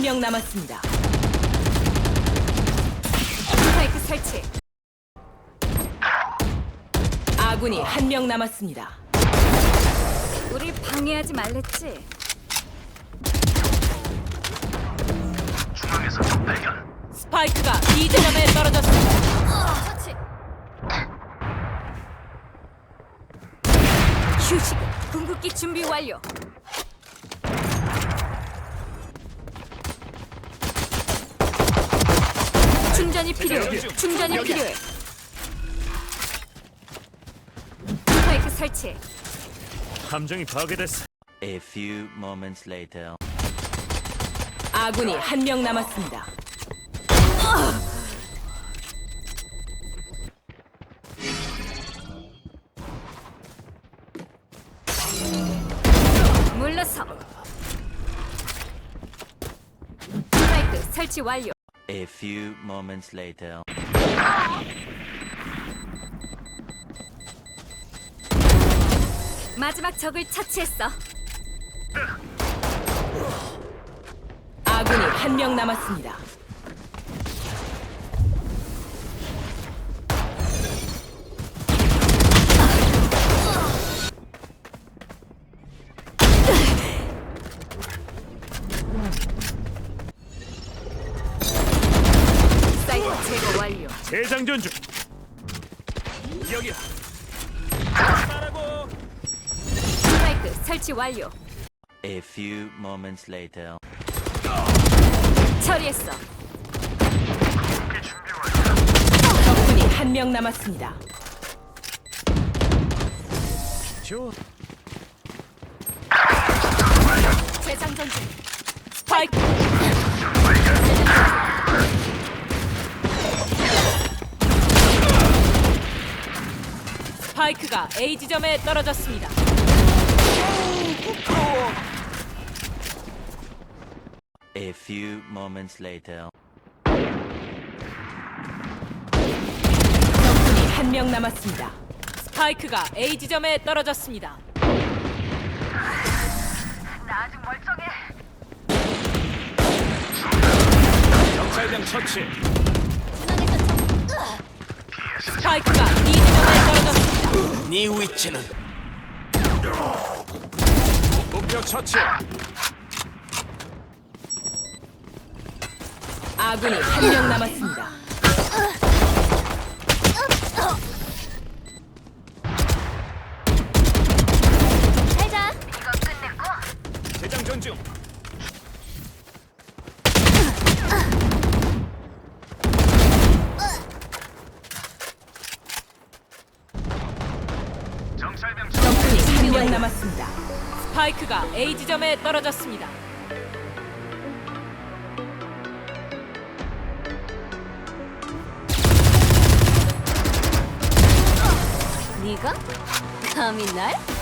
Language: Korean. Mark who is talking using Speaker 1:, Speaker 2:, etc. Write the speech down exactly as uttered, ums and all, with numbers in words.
Speaker 1: 명 남았습니다.
Speaker 2: 스파이크 설치.
Speaker 1: 아군이 한 명 남았습니다.
Speaker 2: 우리 방해하지 말랬지.
Speaker 3: 중앙에서 적 발견.
Speaker 1: 스파이크가 B 지점에 떨어졌습니다.
Speaker 2: 터치. 휴식. 궁극기 준비 완료. 충전이 필요해. 충전이 필요해. 스파이크 설치.
Speaker 4: 함정이 파괴됐어.
Speaker 5: A few moments later.
Speaker 1: 아군이 한 명 남았습니다.
Speaker 2: 물러서. 스파이크 설치 완료.
Speaker 5: A few moments later.
Speaker 2: 마지막 적을 처치했어.
Speaker 1: 아군이 한 명 남았습니다.
Speaker 2: 사이트 제거 완료.
Speaker 4: 재장전 중. 여기야. 말하고.
Speaker 2: 스파이크 설치 완료.
Speaker 5: A few moments later.
Speaker 2: 처리했어.
Speaker 1: 적군이 한 명 남았습니다.
Speaker 4: 좋아.
Speaker 2: 재장전 중.
Speaker 1: 스파이크 스파이크가 A 지점에 떨어졌습니다.
Speaker 5: A few moments later.
Speaker 1: 적군이 한 명 남았습니다. 스파이크가 A 지점에 떨어졌습니다.
Speaker 4: 정찰병 처치.
Speaker 1: 스파이크가 B 지점에 떨어졌습니다.
Speaker 4: 네 위치는 목표 처치.
Speaker 1: 아군이 한 명 남았습니다.
Speaker 2: 잘가.
Speaker 4: 재장전 중.
Speaker 3: 정찰병
Speaker 1: 적군이 한 명 남았습니다. 스파이크가 A 지점에 떨어졌습니다.
Speaker 2: 네가 감히 날?